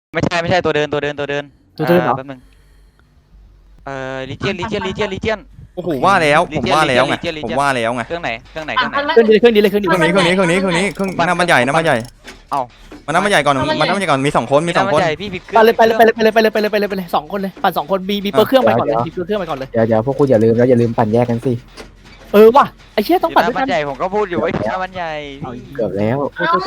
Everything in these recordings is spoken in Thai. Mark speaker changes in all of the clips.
Speaker 1: ไม่ใช่ตัวเดิน
Speaker 2: เหรอ
Speaker 1: แป๊บนึงลิเจียน
Speaker 3: โอ้โหว่าแล้วผมว่าแล้วไงผมว่าแล้วไง
Speaker 1: เครื่องไหน
Speaker 2: เครื่องดีเลย
Speaker 3: เครื่องน้ำมันใหญ่
Speaker 1: เอ้า
Speaker 3: มันน้ำมันใหญ่ก่อนมี2 คน
Speaker 1: พี่ผิดเค
Speaker 2: ปั่น
Speaker 1: รื่อง
Speaker 2: เลยสองคนเลยปั่น2 คนมีเปิดเครื่องไปก่อนเลยมีเปิดเครื่องไปก่อนเลย
Speaker 4: เดี๋ยวพวกคุณอย่าลืมปั่นแยกกันสิ
Speaker 2: ว่ะไอ้เชี่ยต้องปั่นด้วย
Speaker 1: มั
Speaker 2: กัน
Speaker 1: นใหญ่ผมก็พูดอยู่ไอ้น้ำมันใหญ่
Speaker 4: เกือบแล้ว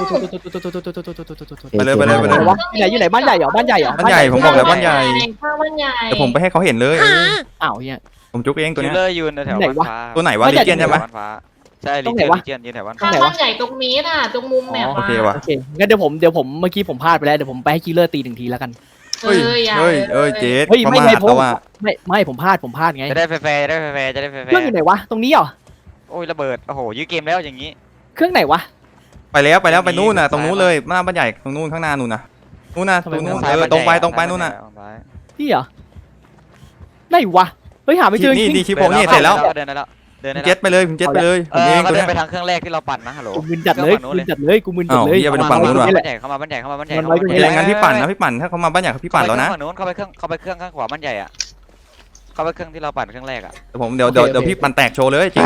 Speaker 3: ไปเลย
Speaker 2: อยู่ไหนบ้านใหญ่เหรอ
Speaker 3: บ้านใหญ่ผมบอกแล้วบ้านใหญ่
Speaker 5: ข้าวบ้านใหญ่
Speaker 3: แต่ผมไปให้เขาเห็นเลย
Speaker 2: อ้าวเนี่ย
Speaker 3: ผมจุกเองตัว
Speaker 1: คิ
Speaker 3: เนี้
Speaker 1: ล
Speaker 3: ย
Speaker 1: เลอร์ยืนแถวบ้านฟ้า
Speaker 3: ตัวไหนวะลิเจียนใช่ไหม
Speaker 1: บ้านฟ้าใช่ลิเจียนยืนแถวบ้าน
Speaker 5: ข้า
Speaker 1: ฟ้าว
Speaker 5: บ้านใหญ่ตรงนี้น่ะตรงมุมแมป
Speaker 3: โอเคว่ะ
Speaker 2: โอเคงั้นเดี๋ยวผมเมื่อกี้ผมพลาดไปแล้วเดี๋ยวผมไปให้คิลเลอร์ตี1 ทีแล้วกัน
Speaker 3: เฮ้ยเจ๊ประมาทแล้วว่า
Speaker 2: ไม่ผมพลาดไง
Speaker 1: จะได้แฟร์จะได้แฟ
Speaker 2: เครื่องอยู่ไหนวะตรงนี้เหรอ
Speaker 1: โอ้ยระเบิดโอ้โหยื้อเกมแล้วอย่างนี้
Speaker 2: เครื่องไหนวะ
Speaker 3: ไปแล้วไปนู่นน่ะตรงนู้นเลยหน้าบ้านใหญ่ตรงนู้นข้างหน้านู่นน่ะตรงนู้นตรงไปนู่นน่ะ
Speaker 2: นี่เหรอไหนวะเฮ้ยหาไม่เจอ
Speaker 3: นี่ดีชิปผมนี่เสร็จแล้ว
Speaker 1: เดินได้แล้ว
Speaker 3: เจ็ตไปเลยผมเจ็ตไปเลยผมเอง
Speaker 1: ก็
Speaker 3: ตัว
Speaker 1: เดิ
Speaker 3: เนี้
Speaker 1: น
Speaker 3: ย
Speaker 1: ไปทางเครื่องแรกที่เราปั่นนะฮัลโหล
Speaker 2: กูมึนจัดเลยกูมึนจัดเลย
Speaker 3: อย่าไปตรงฝั่งนู้นว่ะ
Speaker 1: บ้านใหญ่เข้ามาบ้านใหญ่เข้ามาบ้านใหญ่
Speaker 3: โอเคงั้นพี่ปั่นถ้าเขามาบ้านใหญ่พี่ปั่นแล้วนะ
Speaker 1: ฝั่งนู้นเข้าไปเครื่องข้างขวาบ้านใหญ่อ่ะเข้าไปเครื่องที่เราปั่นเครื่องแรกอ่ะ
Speaker 3: เดี๋ยวพี่ปั่นแตกโชว์เลยจริง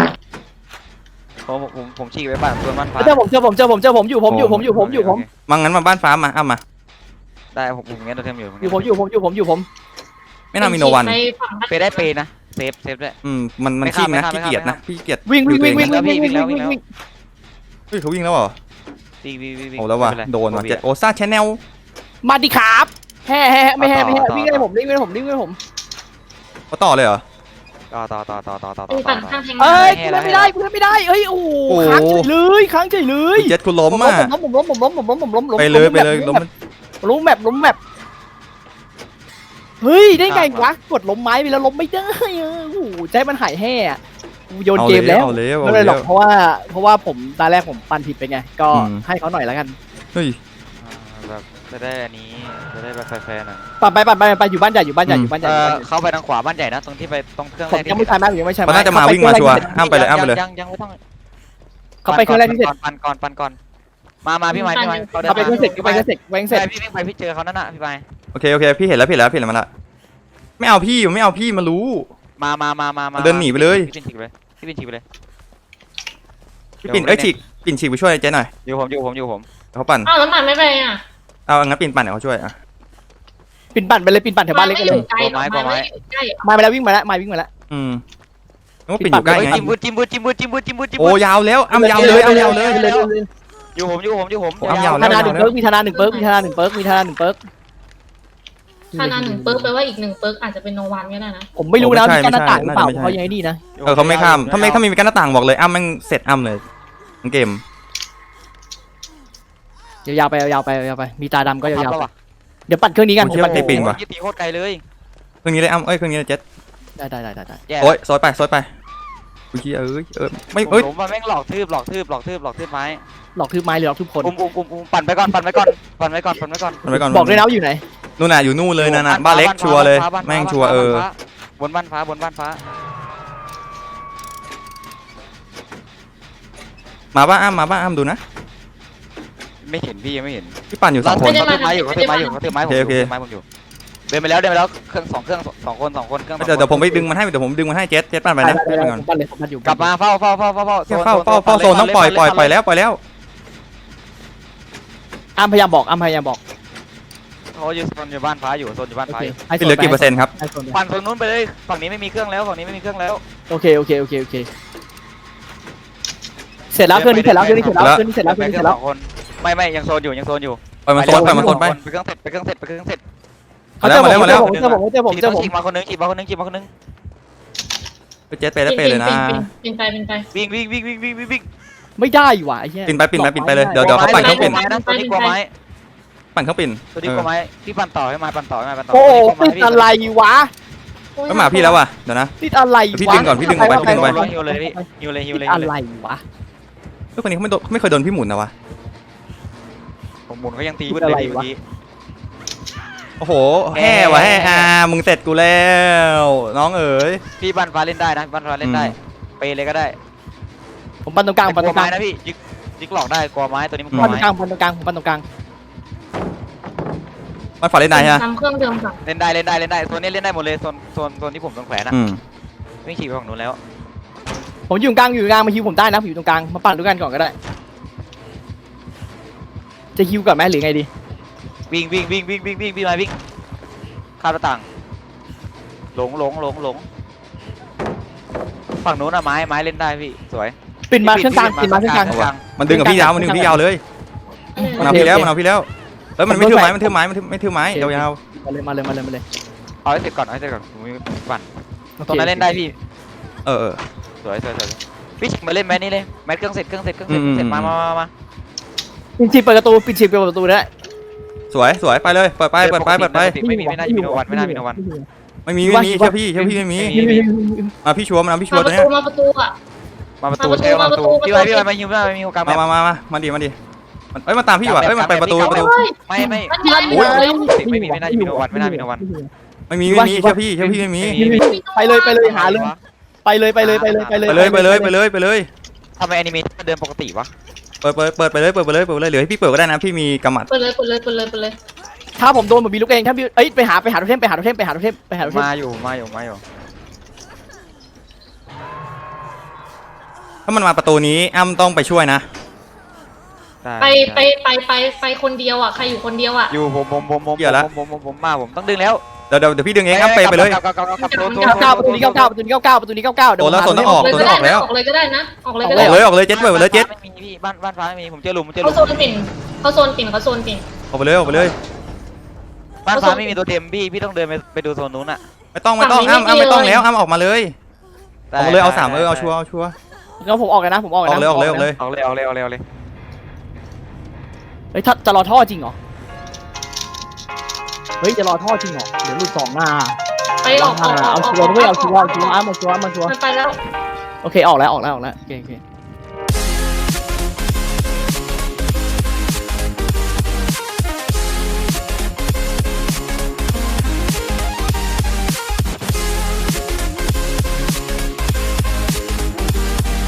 Speaker 1: ผมฉีกไปปั่นตัวบ้านฟ้า
Speaker 2: เจอผมอยู่
Speaker 3: มางั้นมาบ้านฟ้ามามา
Speaker 1: ได้ผมงั้นเราเทมอยู่
Speaker 2: อยู่ผม
Speaker 3: ไม่น่ามีโนวัน
Speaker 1: เปได้เปนะเซฟด้วย
Speaker 3: มันขี้นะขี้เกียจนะพี่เกียจ
Speaker 2: วิ่ง
Speaker 3: เฮ้ยเขาวิ่งแล้วเหรอ
Speaker 1: วิ่ง
Speaker 3: โอ้แล้วว่ะโดนว่ะเจ็ดโอซ่าแชนแนล
Speaker 2: มาดิครับแห่ไม่วิ่งให้ผม
Speaker 3: เขาต่อเลยเหรอ
Speaker 1: ต่อ
Speaker 5: ปั่นข้างแทง
Speaker 2: เอ้ยกูไม่ได้เอ้ยโอ้ค้างเฉยเลย
Speaker 3: เจ็ดคุณล้มอ่ะ
Speaker 2: ผมล้ม
Speaker 3: ไปเลยล้ม
Speaker 2: ล้มแมปเฮ้ยได้ไงวะกดล้มไม้ไปแล้วล้มไม่ได้โอ้โหใจมันหายแห่โยนเกมแล้วไม่เลยหรอกเพราะว่าผมตาแรกผมปั่นผิดไปไงก็ให้เขาหน่อยแล้วกัน
Speaker 3: เฮ้ย
Speaker 1: แบบจะได้อันนี้จะได้แบบแฟร์หน่อย
Speaker 2: ปั่นไปอยู่บ้านใหญ่
Speaker 1: เข้าไปทางขวาบ้านใหญ่นะตรงที่ไปตรงเครื่องแรก
Speaker 2: ยังไม่ใช่ไหมยังไม่ใช่ไหม
Speaker 3: มันน่าจะมาวิ่งมาชัวร์อ้ามไปเลย
Speaker 1: ยังไม่ต้อง
Speaker 2: เขาไปเครื่องแรกที่เสร็จ
Speaker 1: ปั่นก่อนมาพี่ไม้
Speaker 2: เขาไปเครื่องเสร็จ
Speaker 1: พี่ไปพี่เจอเขานั่นน่ะพี่ไป
Speaker 3: โอเคพี่เห็นแล้วมาละไม่เอาพี่มารู้
Speaker 1: มา
Speaker 3: เดินหนีไปเลย
Speaker 1: พี่ปิ่นฉีกไปเลย
Speaker 3: พี่ปิ่นปิ่นฉีกไปช่วยเจ๊หน่อย
Speaker 1: อยู่ผม
Speaker 3: เขาปั่น
Speaker 5: อ้าวแล้วปั่นไม่ไปอ่ะ
Speaker 3: เอางั้นปิ่นปั่นเดี๋ยวเขาช่วยอ่ะ
Speaker 2: ปิ่นปั่นไปเลยปิ่นปั่นแถวบ้านเล็กเลย
Speaker 5: ใกล้ใกล้
Speaker 2: มาไปแล้ววิ่งมาแล้ววิ่งมาแล้ว
Speaker 3: นึกว่าปิ่นอยู่ใกล้ไง
Speaker 1: จิ้มบูด
Speaker 3: โอ้ยาวแล้วอ้ำยาวเลย
Speaker 1: อยู่ผม
Speaker 2: ธนา1 เปิร์กมีธนา1 เปิร์ก
Speaker 5: ถ้านา1 เปิร์กแปลว่าอีก1 เปิร์กอาจจะเป็นโนวันก็ได้นะ
Speaker 2: ผมไม่รู้นะมีกั้นหน้าต่างหรือเปล่าเขายังไงนี่นะ
Speaker 3: เขาไม่ข้ามถ้ามีกั้นหน้าต่างบอกเลยอ้ำมันเสร็จอ้ำเลยทั้งเกม
Speaker 2: ยาวไปมีตาดำก็ยาวไปเดี๋ยวปั่นเครื่องนี้กัน
Speaker 3: ผมเชื่อว่าไอ้ปิ่นว่ะ
Speaker 1: ตีโคตรไกลเลย
Speaker 3: เครื่องนี้เลยอ้ำเครื่องนี้เลยเจ็ด
Speaker 2: ได้
Speaker 3: โอ้ยซอยไปอุ้ยไม่
Speaker 1: ผมมาแม่งหลอกทืบไม้
Speaker 2: หลอกทืบไม้หรือหลอกทืบคน
Speaker 1: ปั่นไปก่อน
Speaker 2: บอกเลยนะอยู่ไหน
Speaker 3: นู่นน่ะอยู่นู่นเลยนะบ้านเล็กชัวร์เลยแม่งชัวร์
Speaker 1: บนบ้านฟ้า
Speaker 3: มาบ้านอ้ำดูนะ
Speaker 1: ไม่เห็นพี่ยังไม่เห็น
Speaker 3: พี่ปั่นอยู่2 คน
Speaker 1: เขาถือไม้อยู่ผมอยู่เดินไปแล้วเครื่อง2 เครื่อง2 คนเครื่อง
Speaker 3: เดี๋ยวผมไปดึงมันให้เจ็ดปั่นไปนะก่อน
Speaker 2: ปั่นเลยปั่นอยู่
Speaker 1: กลับมาเฝ้า
Speaker 3: โซนต้องปล่อยแล้ว
Speaker 2: อ้ำพยายามบอก
Speaker 1: เขาอยู่โซนอยู่บ้านฟ้าอยู่โซนอยู่บ้านฟ้า
Speaker 3: เหลือกี่เปอร์เซ็นต์ครับ
Speaker 1: ปั่นฝั่งนู้นไปเลยฝั่งนี้ไม่มีเครื่องแล้ว
Speaker 2: โอเคเสร็จแล้วเครื่องนี้เสร็จแล้ว
Speaker 1: ไม่ยังโซนอยู่
Speaker 3: ปล่อยมันโซนไป
Speaker 1: ไปเครื่องเสร็จ
Speaker 2: เขาเจอผม
Speaker 1: ฉีกมาคนนึง
Speaker 3: เจ็ดไปแล้วไปเลยนะ
Speaker 5: เป็นไป
Speaker 1: วิ่ง
Speaker 2: ไม่ได้ว่ะไอ้เหี้ย
Speaker 3: ปิ่นไปเลยเดี๋ยวเขาปั่นเครื่องปิ่น
Speaker 1: ตัวนี้กลัวไม้
Speaker 3: ปั่นเครื่องปิ่น
Speaker 1: ตัวนี้กลัวไม้พี่ปั่นต่อให้มาปั่นต่อ
Speaker 2: โอ้ติดอะไรวะ
Speaker 3: ก็มาพี่แล้วว่ะเดี๋ยวนะ
Speaker 2: ติดอะไร
Speaker 3: พี่ดึงก่อนพี่ดึงออกไป
Speaker 1: ฮิวเลยฮิวเลย
Speaker 2: อะไรวะ
Speaker 3: ทุกคนนี้เขาไม่เคยโดนพี่หมุนนะวะ
Speaker 1: ผมหมุนเขายังตีเลยเมื่อกี้
Speaker 3: โอ้โหแห่วะแห่มึงเสร็จกูแล้วน้องเอ๋ย
Speaker 1: พี่บ้านฟ้าเล่นได้นะบ้านฟ้าเล่นได้เปเลยก็ได้
Speaker 2: ผมปั่นตรงกลาง
Speaker 1: กลัวไม้นะพี่ยึกหลอกได้กลัวไม้ตัวนี้มันกลัว
Speaker 2: ปั่นตรง
Speaker 1: ไม้
Speaker 2: กลางปั่นตรงกลาง
Speaker 3: ไปมันฝันเล่นได้ฮะ
Speaker 5: ทำเครื่องเดิมก่อน
Speaker 1: เล่นได้โซนนี้เล่นได้หมดเลยโซนที่ผมโดนแขวนอะ
Speaker 3: อืม
Speaker 1: ไม่ขี่ไปฝั่งนู้นแล้ว
Speaker 2: ผมอยู่กลางมาฮิวผมได้นะผมอยู่ตรงกลางมาปั่นด้วยกันก่อนก็ได้ จะฮิวก่อนไหมหรือไงดี
Speaker 1: วิ่งมาวิ่งข้ามหน้าต่างหลงฝั่งนู้นอะไม้เล่นได้พี่สวย
Speaker 2: ปิ่นมาเครื่องกลางปิ่นมาเครื่องกลาง
Speaker 3: มันดึงกับพี่ยาวเลยมันเอาพี่แล้วเฮ้ยมันไม่ถือไม้มันถือไม้ไม่ถือไม้ยาว
Speaker 2: มาเลย
Speaker 1: เอาให้เสร็จก่อนผมมีปั่น
Speaker 2: โอเค
Speaker 1: ตรงนั้นเล่นได้พี่
Speaker 3: เออ
Speaker 1: สวยพี่ชิงมาเล่นแมทนี่เลยแมทเครื่องเสร็จมา
Speaker 2: ปิ่นฉีกเปิดประตูได้
Speaker 3: สวยไปเลยเปิดไป
Speaker 1: ไม่น่าจะมีโนวันไม่มี
Speaker 3: ไม่มีเชื่อพี่ไม่มีพี่ชัวร์มันพี่ชัวร์ตัวเนี้ย
Speaker 5: มาประตูอ่ะ
Speaker 1: มาประตูใช่มาประตูพี่ไว้มายิงได้ไม่มีโอกาส
Speaker 3: มาดิมันตามพี่ว่ะมันไปประตู
Speaker 1: ไม่
Speaker 5: มันใหญ่
Speaker 1: ไม่มีไม่น่าจะมีโนวันไม่มี
Speaker 3: เชื่อพี่ไม่มี
Speaker 2: ไปเลยหาเลยไปเลย
Speaker 1: ทำไมแอนิเมชันเดินปกติวะ
Speaker 3: เปิดไปเลยเหลือให้พี่เปิดก็ได้นะพี่มีกำมัด
Speaker 5: เปิดเลย
Speaker 2: ถ้าผมโดนเหมือนมีลูกเองถ้าไปหาโทเทม
Speaker 1: มาอยู่
Speaker 3: ถ้ามันมาประตูนี้อ้ำต้องไปช่วยนะ
Speaker 5: ไปคนเดียวอ่ะใครอยู่คนเดียวอ่ะ
Speaker 1: อยู่ผมมาผมต้องดึงแล้ว
Speaker 3: เดี๋ยวพี่ดึงเองอ้ำไปเลย
Speaker 2: ประตูนี้99เดี๋ยว
Speaker 3: แล้วต้องออกแล้ว
Speaker 5: ออกเลยก็ได้นะออกเลยก็
Speaker 3: อ
Speaker 5: ได้
Speaker 3: อกเลยเจ็ดเปิดเลยเจ็ด
Speaker 1: ไม่มีพี่บ้านฟ้าไม่มีผมเจอหลุม
Speaker 5: เขาโซนปิ่นเขาโซนปิ่น
Speaker 3: ออกไปเลย
Speaker 1: บ้านฟ้าไม่มีตัวเต็มพี่ต้องเดินไปดูโซนนู้นอ่ะ
Speaker 3: ไม่ต้องอ้ำไม่ต้องแล้วอ้ำออกมาเลยเอา3เอาชัวร์
Speaker 2: แล้วผมออกเลยนะผมออก
Speaker 3: ออกเลย
Speaker 1: เอาเลย
Speaker 2: เฮ้ยถ้าจะรอท่อจริงเหรอเฮ้ยจะรอท่อจริงเหรอเดี๋ยวลูก2หน้า
Speaker 5: ไปออก
Speaker 2: เอาชัวร์ด้วยเอาชัวร์มาชัวร์
Speaker 5: ไปแล้ว
Speaker 2: โอเคออกแล้วโอเค